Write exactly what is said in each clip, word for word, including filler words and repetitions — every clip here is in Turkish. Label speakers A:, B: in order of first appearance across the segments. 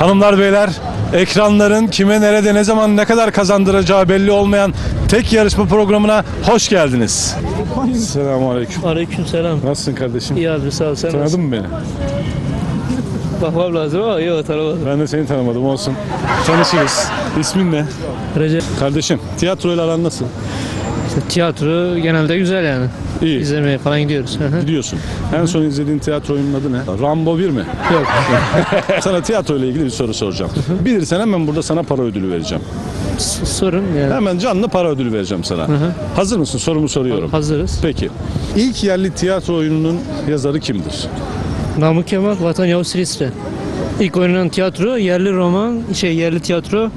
A: Hanımlar beyler, ekranların kime nerede ne zaman ne kadar kazandıracağı belli olmayan tek yarışma programına hoş geldiniz. Selamünaleyküm.
B: Aleykümselam.
A: Nasılsın kardeşim?
B: İyi abi sağ ol. Sen
A: Tanıdın
B: nasılsın?
A: mı beni?
B: Bakmam lazım ama yok tanımadım.
A: Ben de seni tanımadım, olsun. Tanışırız. İsmin ne?
B: Recep.
A: Kardeşim, tiyatroyla aran nasıl?
B: İşte tiyatro genelde güzel yani.
A: İyi.
B: İzlemeye falan gidiyoruz. Hı hı.
A: Gidiyorsun. En son izlediğin tiyatro oyunun adı ne? Rambo bir mi?
B: Yok.
A: Sana tiyatro ile ilgili bir soru soracağım. Bilirsen hemen burada sana para ödülü vereceğim.
B: S- Sorun yani.
A: Hemen canlı para ödülü vereceğim sana. Hazır mısın? Sorumu soruyorum.
B: Hazırız.
A: Peki. İlk yerli tiyatro oyununun yazarı kimdir?
B: Namık Kemal, Vatan Yavuz Silistre. İlk oynanan tiyatro, yerli roman, şey yerli tiyatro.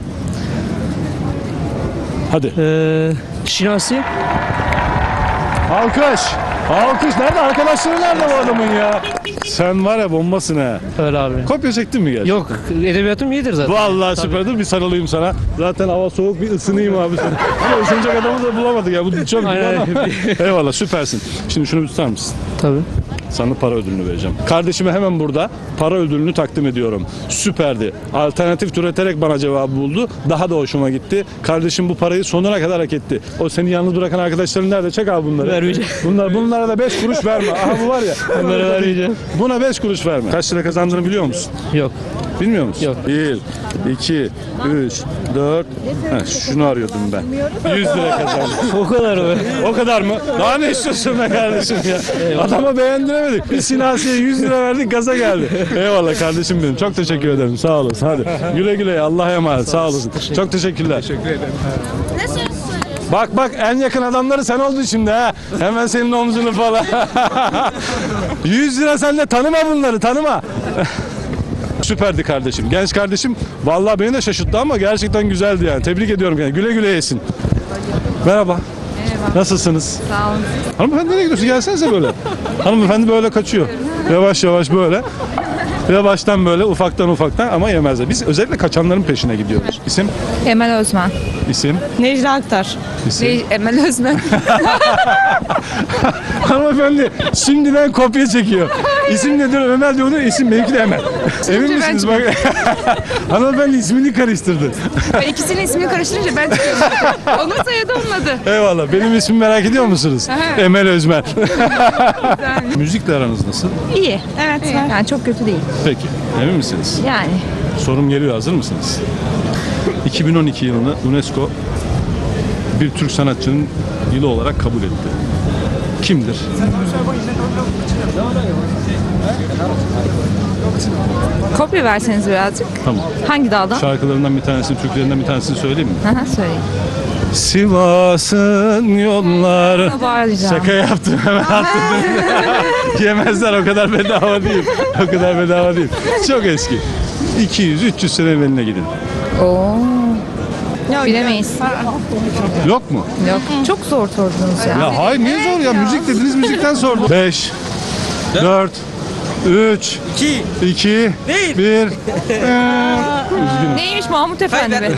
A: Hadi.
B: Ee, Şinasi.
A: Alkış. Alkış. Nerede? Arkadaşları nerede bu adamın ya? Sen var ya bombasın ha.
B: Öyle abi.
A: Kopya çektin mi gerçekten?
B: Yok, edebiyatım iyidir zaten.
A: Vallahi süperdir. Bir sarılayım sana. Zaten hava soğuk, bir ısınayım abi sana. Ama ısınacak adamı da bulamadık ya. Bu çok
B: Aynen.
A: Eyvallah, süpersin. Şimdi şunu bir tutar mısın?
B: Tabii.
A: Sana para ödülünü vereceğim. Kardeşime hemen burada para ödülünü takdim ediyorum. Süperdi. Alternatif türeterek bana cevabı buldu. Daha da hoşuma gitti. Kardeşim bu parayı sonuna kadar hak etti. O seni yalnız bırakan arkadaşların nerede? Çek abi bunları.
B: Vermeyeceğim.
A: Bunlar, bunlara da beş kuruş verme. Aha bu var ya.
B: Bunları vermeyeceğim.
A: Buna beş kuruş verme. Kaç lira kazandığını biliyor musun?
B: Yok.
A: Bilmiyor musun?
B: Yok.
A: bir, iki, üç, dört. Heh, şunu arıyordum ben. yüz lira kazandım.
B: O kadar mı?
A: O kadar mı? Daha ne istiyorsun be kardeşim ya? Adama beğendiremedik. Biz Sinasi'ye yüz lira verdik, gaza geldi. Eyvallah kardeşim benim. Çok teşekkür ederim. Sağ olasın. Hadi. Güle güle. Allah'a emanet. Sağ olasın. Çok teşekkürler. Teşekkür ederim. Bak bak, en yakın adamları sen oldun şimdi ha. Hemen senin omzunu falan. yüz lira, sen de tanıma bunları, tanıma. Süperdi kardeşim. Genç kardeşim vallahi beni de şaşırttı ama gerçekten güzeldi yani. Tebrik ediyorum yani. Güle güle yesin. Merhaba.
C: Merhaba.
A: Nasılsınız?
C: Sağ olun.
A: Hanımefendi nereye gidiyorsun? Gelsenize böyle. Hanımefendi böyle kaçıyor. Yavaş yavaş böyle. Yavaştan böyle, ufaktan ufaktan, ama yemezler. Biz özellikle kaçanların peşine gidiyoruz. İsim?
C: Emel Özmen.
A: İsim?
D: Necla Aktar.
A: İsim?
C: Ne, Emel Özmen.
A: Hanımefendi şimdiden kopya çekiyor. İsim nedir? Ömer diyor. İsim benimki de Emel. Emin
C: ben
A: misiniz? Bak. Hanımefendi ismini karıştırdı.
C: Ben ikisinin ismini karıştırınca ben çıkıyorum. Onun soyadı olmadı.
A: Eyvallah. Benim ismimi merak ediyor musunuz?
C: Aha.
A: Emel Özmer.
C: Güzel.
A: Müzikle aranız nasıl?
C: İyi. Evet. Yani çok kötü değil.
A: Peki. Emin misiniz?
C: Yani.
A: Sorum geliyor. Hazır mısınız? iki bin on iki yılını UNESCO bir Türk sanatçının yılı olarak kabul etti. Kimdir?
C: Kopya verseniz birazcık.
A: Tamam.
C: Hangi dağdan?
A: Şarkılarından bir tanesini, türkülerinden bir tanesini söyleyeyim mi?
C: Aha, söyleyin.
A: Sivas'ın yolları.
C: Bağıracağım.
A: Şaka yaptım, hemen attım. Yemezler, o kadar bedava değil. O kadar bedava değil. Çok eski. iki yüz üç yüz sene eveline gidin.
C: Oo. Bilemeyiz.
A: Yok mu?
C: Yok. Çok zor sordunuz ya.
A: Ya hayır, niye zor ya? Müzik dediniz, müzikten sordum. beş, dört, üç, iki, bir.
C: Neymiş Mahmut Efendi be?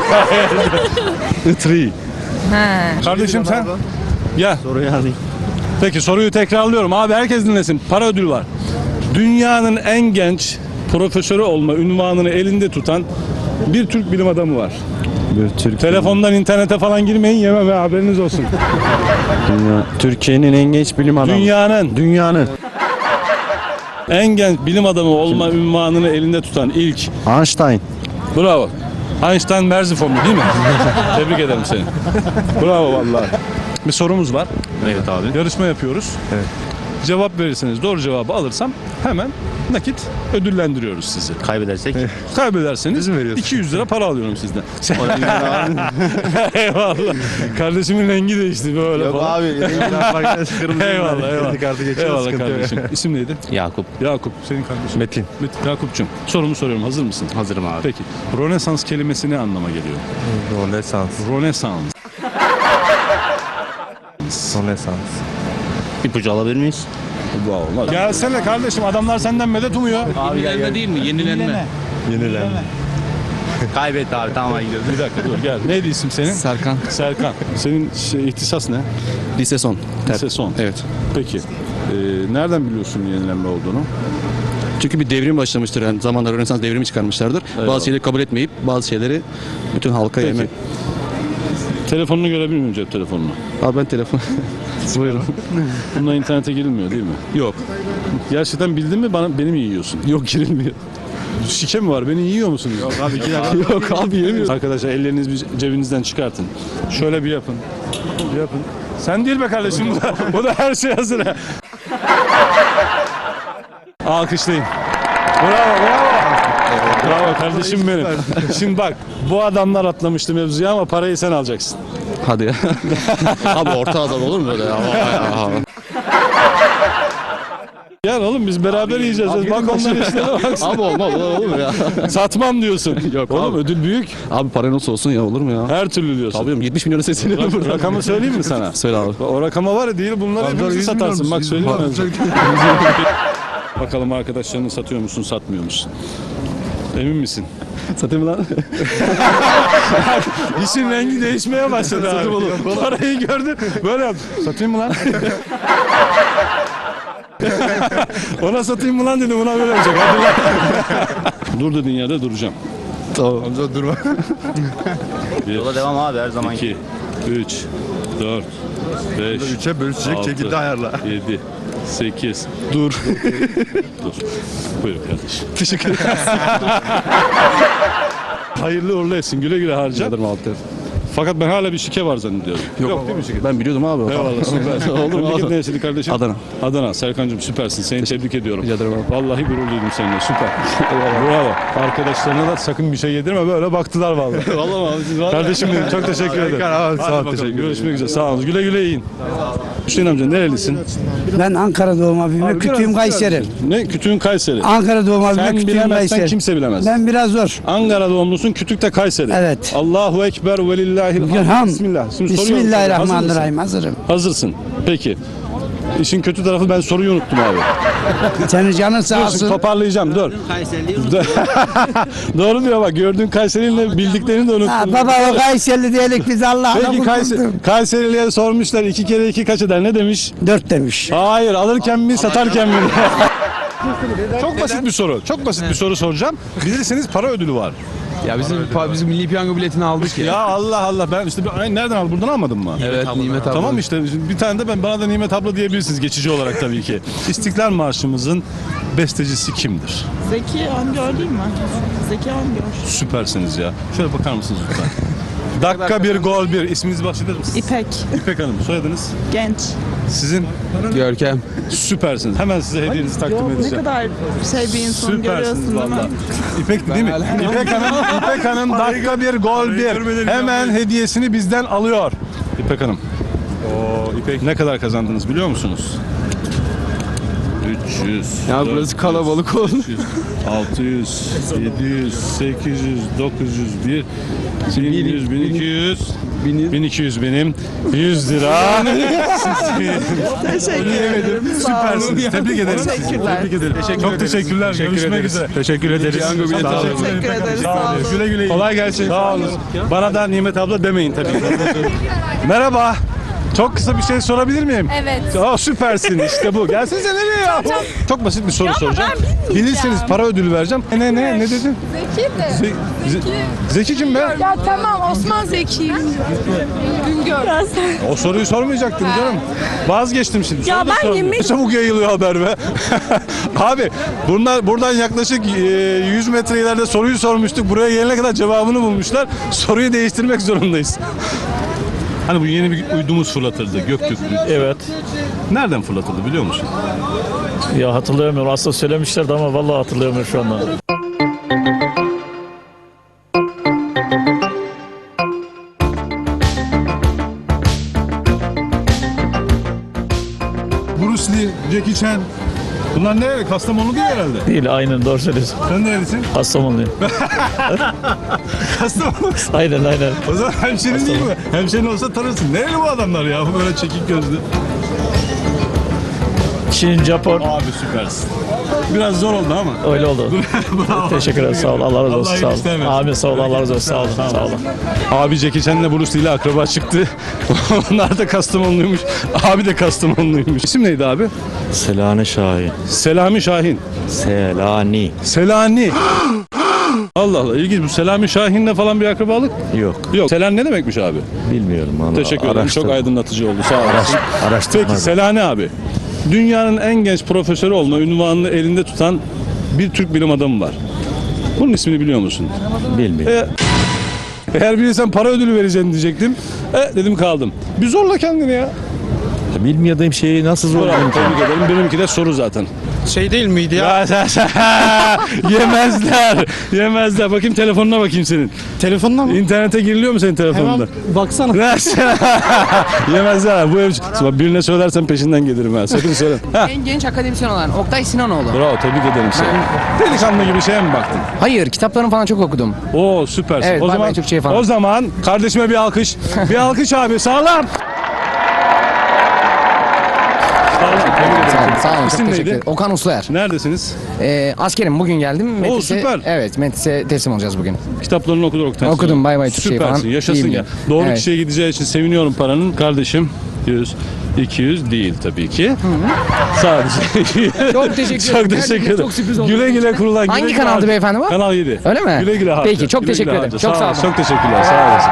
A: Three.
C: Ha.
A: Kardeşim sen? Gel.
B: Soruyu alayım.
A: Peki soruyu tekrarlıyorum. Abi herkes dinlesin. Para ödülü var. Dünyanın en genç profesörü olma unvanını elinde tutan bir Türk bilim adamı var.
E: Bir Türk
A: Telefondan internete falan girmeyin, yemem ha, haberiniz olsun.
E: dünya, Türkiye'nin en genç bilim adamı.
A: Dünyanın
E: Dünyanın.
A: en genç bilim adamı olma unvanını elinde tutan ilk.
E: Einstein.
A: Bravo. Einstein Merzifonlu değil mi? Tebrik ederim seni. Bravo vallahi. Bir sorumuz var.
E: Evet abi.
A: Yarışma yapıyoruz.
E: Evet.
A: Cevap verirseniz, doğru cevabı alırsam hemen nakit ödüllendiriyoruz sizi.
E: Kaybedersek.
A: Kaybederseniz
E: mi veriyorsun?
A: iki yüz lira para alıyorum sizden. Eyvallah. Kardeşimin rengi değişti böyle
E: Yok
A: falan.
E: abi.
A: Eyvallah eyvallah. Eyvallah kardeşim. İsim neydi?
E: Yakup.
A: Yakup. Senin kardeşin.
E: Metin.
A: Metin. Yakup'cum. Sorumu soruyorum. Hazır mısın?
E: Hazırım abi.
A: Peki. Rönesans kelimesi ne anlama geliyor?
E: Rönesans.
A: Rönesans.
E: Rönesans. İpucu alabilir miyiz?
A: Olmaz. Gelsene kardeşim, adamlar senden medet umuyor.
F: Yenilenme değil mi? Yenilenme.
E: Yenilenme. Kaybet abi, tamam gidiyoruz.
A: Bir dakika dur gel. Neydi isim senin?
F: Serkan.
A: Serkan. Senin şey, ihtisas ne?
F: Lise son.
A: Lise son.
F: Evet.
A: Peki. Ee, nereden biliyorsun yenilenme olduğunu?
D: Çünkü bir devrim başlamıştır. Yani zamanlar Rönesans devrimi çıkarmışlardır. Bazı şeyleri kabul etmeyip bazı şeyleri bütün halka
A: Peki.
D: yemek.
A: Telefonunu görebilir miyim, cep telefonunu?
D: Abi ben telefon. Buyurun.
A: Bununla internete girilmiyor değil mi?
D: Yok.
A: Gerçekten bildin mi bana beni mi yiyorsun?
D: Yok girilmiyor.
A: Şike mi var? Beni yiyor musunuz? Yok abi iki dakika.
D: Yok abi yemiyoruz.
A: Arkadaşlar ellerinizi bir cebinizden çıkartın. Şöyle bir yapın. Bir yapın. Sen değil be kardeşim bu da, bu da her şey hazır. ha. Alkışlayın. Bravo bravo. Bravo kardeşim benim. Şimdi bak bu adamlar atlamıştı mevzuya ama parayı sen alacaksın.
D: Hadi ya. Abi orta azal olur mu böyle ya?
A: Gel oğlum biz beraber yiyeceğiz. Bak onların işlerine bak.
D: Abi olmaz olur mu ya?
A: Satmam diyorsun.
D: Yok
A: oğlum
D: abi.
A: ödül büyük.
D: Abi para nasıl olsun ya olur mu ya?
A: Her türlü diyorsun.
D: Tabii oğlum, yetmiş milyona sesleniyorum
A: Rak-
D: burada.
A: rakamı söyleyeyim mi sana?
D: Söyle abi.
A: O rakama var ya değil bunları hepimizi satarsın. Bak söyleyeyim mi? Bakalım arkadaşlarını satıyor musun satmıyor musun? Emin misin?
D: Satayım mı lan?
A: İşin rengi değişmeye başladı abi. Parayı gördün böyle yap. Satayım mı lan? Ona satayım mı lan dedim buna böyle yapacak. Hadi lan. Dur dediğin yerde duracağım.
D: Tamam.
E: Yola devam abi her zaman.
A: iki, üç, dört, beş,
G: Üçe bölüşecek
A: altı,
G: şekilde ayarla.
A: yedi, sekiz. Dur. Dur. Buyur kardeşim.
D: Teşekkür ederim.
A: Hayırlı uğurlu etsin. Güle güle harca.
D: Ederim abi.
A: Fakat ben hala bir şike var zannediyorum.
D: Yok, değil mi şeker? Ben biliyordum abi.
A: Eyvallah süper.
D: Olur mu
A: Memleket
D: abi?
A: neresiydi kardeşim?
D: Adana.
A: Adana. Serkan'cığım süpersin. Seni tebrik ediyorum.
D: Rica ederim abi.
A: Vallahi gurur duydum seninle. Süper. Bravo. Arkadaşlarına da sakın bir şey yedirme. Böyle baktılar vallahi.
D: Vallahi abi siz var.
A: Kardeşim benim çok teşekkür ederim.
G: abi, sağ ol,
A: Hadi bakalım,
G: teşekkür
A: görüşmek üzere. Sağ olun. Güle güle yiyin. Hüseyin amca nerelisin?
H: Ben Ankara doğma büyüme, kütüğüm Kayseri.
A: Ne? Kütüğün Kayseri.
H: Ankara doğma büyüme,
A: Sen
H: kütüğüm
A: bilemezsen
H: Kayseri.
A: kimse bilemez.
H: Ben biraz zor.
A: Ankara doğumlusun, Kütük'te Kayseri.
H: Evet.
A: Allahu Ekber ve lillahil
H: Ham.
A: Bismillah. Şimdi soruyorum.
H: Bismillahirrahmanirrahim. Hazırım.
A: Hazırsın. Peki. İşin kötü tarafı ben soruyu unuttum abi.
H: Senin canın sağ
A: Dur,
H: olsun.
A: toparlayacağım dur. Doğru diyor bak gördüğün Kayseri'yle bildiklerini de unuttun.
H: Ha, baba o Kayserili diyelim biz Allah'ına
A: Peki Kayseri,
H: kurtulduk.
A: Kayserili'ye sormuşlar iki kere iki kaç eder ne demiş?
H: Dört demiş.
A: Hayır alırken mi satarken mi? Çok basit bir soru. Çok basit bir soru soracağım. Bilirseniz para ödülü var.
F: Ya bizim bizim milli piyango biletini aldık ya.
A: Ya Allah Allah ben işte bir- ay, nereden aldın? Buradan almadın mı?
F: Evet Nimet abla.
A: Tamam işte bir tane de ben bana da Nimet abla diyebilirsiniz geçici olarak tabii ki. İstiklal Marşımızın bestecisi kimdir?
I: Zeki Öngör değil mi? Zeki Öngör.
A: Süpersiniz ya. Şöyle bakar mısınız lütfen? Dakika bir gol bir. İsminizi bahseder misiniz?
I: İpek.
A: İpek Hanım. Soyadınız?
I: Genç.
A: Sizin?
F: Görkem.
A: Süpersiniz. Hemen size hediyenizi takdim
I: Ne
A: edeceğim.
I: kadar şey bir insan görüyorsun
A: Süpersiniz
I: değil mi?
A: valla. İpek değil mi? İpek Hanım, İpek Hanım dakika bir gol bir. Hemen hediyesini bizden alıyor. İpek Hanım. Oo, İpek. Ne kadar kazandınız biliyor musunuz? üç yüz.
F: Ya
A: dört yüz,
F: burası kalabalık oldu.
A: beş yüz, altı yüz, yedi yüz, sekiz yüz, dokuz yüz bir, bin yüz, bin iki yüz, bin iki yüz benim, yüz lira.
I: Teşekkür ederim.
A: Süpersiniz. Tebrik ederim.
I: Teşekkürler.
A: Tebrik ederim. Çok teşekkürler. Görüşmek üzere. Teşekkür ederiz.
F: Piyango bileti
A: Sağ olun.
F: aldık.
I: Teşekkür ederiz.
A: Sağ
I: Sağ
A: olun.
I: olun.
A: Güle güle. Kolay gelsin. Sağ olun. Bana da Nimet abla demeyin tabii. Merhaba. Çok kısa bir şey sorabilir miyim?
C: Evet.
A: Aa, süpersin işte bu. Gelsenize nereye ya? Çok basit bir soru
C: ama
A: soracağım.
C: ben bilmeyeceğim.
A: Bilirseniz para ödülü vereceğim. Ne ne ne dedin?
C: Zeki de.
A: Ze- Ze- Zeki kim be?
C: Ya tamam Osman Zeki. Güngör.
A: O soruyu sormayacaktım canım. Vazgeçtim şimdi.
C: Ya
A: Soru da
C: ben
A: sormuyorum.
C: yemin-
A: Ne çabuk yayılıyor haber be. Abi bunlar buradan yaklaşık e, yüz metre ileride soruyu sormuştuk. Buraya gelene kadar cevabını bulmuşlar. Soruyu değiştirmek zorundayız. Hani bu yeni bir uydumuz fırlatıldı. Göktürklü.
J: Evet.
A: Nereden fırlatıldı biliyor musun?
J: Ya hatırlayamıyorum. Aslında söylemişlerdi ama vallahi hatırlayamıyorum şu anda.
A: Bruce Lee, Jackie Chan. Bunlar nereli? Kastamonu değil herhalde.
J: Değil, aynen doğru söylüyorsun.
A: Sen nerelisin?
J: Kastamonluyum.
A: Kastamonu.
J: Aynen aynen.
A: O zaman hemşerin değil mi? Hemşerin olsa tanırsın. Nereli bu adamlar ya? Bu böyle çekik gözlü.
J: Çin, Japon.
A: Abi süpersin. Biraz zor oldu ama.
J: Öyle oldu. Teşekkür ederim. Sağ ol. Allah razı olsun.
A: Allah
J: Sağ
A: iyilik
J: olun.
A: versin.
J: Amin. Sağ ol. Allah razı olsun. Sağ olun. Sağ olun.
A: Abi Jackie Chan'le Bruce Lee ile akraba çıktı. Onlar da Kastamonluymuş. Abi de Kastamonluymuş. İsim neydi abi?
G: Selani Şahin.
A: Selami Şahin.
G: Selani.
A: Selani. Allah Allah, ilginç. Bu Selami Şahin'le falan bir akrabalık?
G: Yok.
A: Yok. Selan ne demekmiş abi?
G: Bilmiyorum. Onu
A: Teşekkür ederim.
G: araştır-
A: Çok aydınlatıcı oldu. Sağ olasın.
G: araştırmadım.
A: Peki Selani abi. Dünyanın en genç profesörü olma ünvanını elinde tutan bir Türk bilim adamı var. Bunun ismini biliyor musun?
G: Bilmiyorum.
A: E, eğer bilirsen para ödülü vereceğini diyecektim. E dedim kaldım. Bir zorla kendini ya.
G: Bilmediğim şeyi nasıl
A: Bravo,
G: zorlayayım ki?
A: tebrik ederim. Benimki de soru zaten.
F: Şey değil miydi ya?
A: Ya sen- sen- yemezler. Yemezler. Bakayım telefonuna bakayım senin.
F: Telefonla mı?
A: İnternete giriliyor mu senin telefonunda?
F: Baksana.
A: Yemezler. Bu ev... Bak birine söylersen peşinden gelirim ha. Sakın söyle. Ha.
K: En genç akademisyen olan Oktay Sinanoğlu.
A: Bravo, tebrik ederim seni. Delikanlı gibi şeye mi baktın?
K: Hayır, kitaplarını falan çok okudum.
A: Oo süpersin.
K: Evet,
A: o
K: Bay
A: zaman
K: Bay Türkçe'yi falan.
A: o zaman kardeşime bir alkış. Bir alkış abi. Sağlam. Sağlam. Tebrik ederim.
K: Sağ olun, sağ olun. Çok
A: İsim
K: teşekkür
A: neydi?
K: ederim. Okan Usluer.
A: Neredesiniz?
K: Ee, askerim, bugün geldim. Metis'e,
A: süper.
K: Evet, Metis'e teslim olacağız bugün.
A: Kitaplarını okudun Oktay.
K: Okudum, Bay Bay Türkçe'yi
A: Süpersin.
K: falan.
A: Yaşasın
K: İyi
A: ya.
K: biliyorum.
A: Doğru
K: Evet.
A: kişiye gideceği için seviniyorum paranın. Kardeşim yüz, iki yüz değil tabii ki. Sadece.
K: Çok teşekkür
A: Çok
K: ederim.
A: teşekkür
K: Gerçekten
A: ederim.
K: çok sürpriz oldu.
A: Güle güle kurulan.
K: Hangi
A: güle güle
K: kanaldı
A: harca.
K: beyefendi bu?
A: Kanal yedi.
K: Öyle mi?
A: Güle güle harca.
K: Peki, çok
A: Güle güle
K: teşekkür ederim.
A: harca.
K: Çok sağ olun.
A: Çok teşekkürler. Sağ olasın.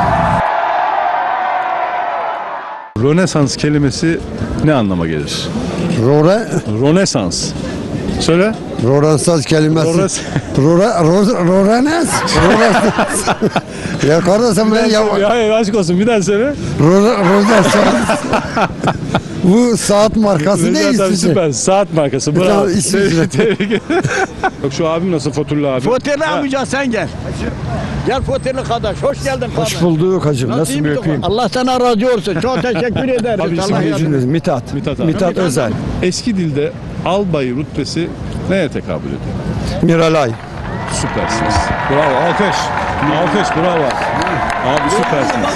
A: Rönesans kelimesi ne anlama gelir?
H: Rore,
A: Rönesans. Söyle.
H: Rönesans kelimesi.
A: Rores.
H: Rora, Roranes. Roranes. Ya kardeşim ben ya.
A: Ya hayır, aşk olsun bir daha söyle.
H: Rönesans. Bu saat markası ne
A: Recep abi
H: İsviçre?
A: süper. Saat markası. Bravo.
H: Tamam, İsviçre.
A: Tebrik ederim. Yok şu abim nasıl Fotullah abi?
E: Foterli amca sen gel. Gel Foterli kardeş. Hoş geldin kardeş.
H: Hoş bulduk hacım. Nasıl
E: iyi
H: bir
E: bir
H: öpeyim?
E: Allah sana razı olsun. Çok teşekkür ederiz.
A: Abi, isim
E: Allah
A: neydi?
E: razı olsun.
H: Mithat.
A: Mithat abi.
H: Mithat Özel.
A: Eski dilde albay rütbesi neye tekabül ediyor?
H: Miralay.
A: Süpersiniz. Bravo. Alkış. Alkış. Bravo. Abi süpersiniz.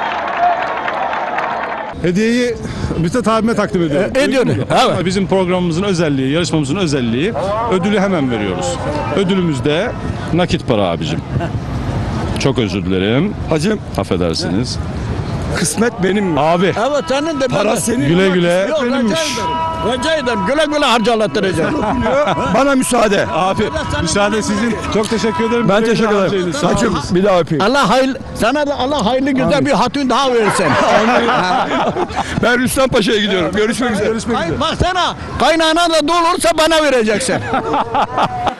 A: Hediyeyi Mithat abime takdim ediyorum.
E: E, ediyorum,
A: Duydun mu?
E: evet.
A: Bizim programımızın özelliği, yarışmamızın özelliği ödülü hemen veriyoruz. Ödülümüz de nakit para abicim. Çok özür dilerim.
H: Hacım
A: Affedersiniz.
H: kısmet benim.
A: Abi
E: Evet senin de
H: Para senin.
A: güle güle.
E: Yok rica ederim. Rica ederim. Güle güle harcalatıracağım.
H: Bana müsaade.
A: Abi müsaade sizin. Çok teşekkür ederim.
H: Ben
A: Güle güle
H: teşekkür ederim.
A: harcayınız. Sağ
H: Hacım
A: olun.
H: bir daha öpeyim.
E: Allah hayırlı, sana da Allah hayırlı güzel bir hatun daha versin.
H: Ben Rüstem Paşa'ya gidiyorum. Görüşmek üzere.
A: Görüşmek üzere.
E: Baksana kaynağına da dolursa bana vereceksin.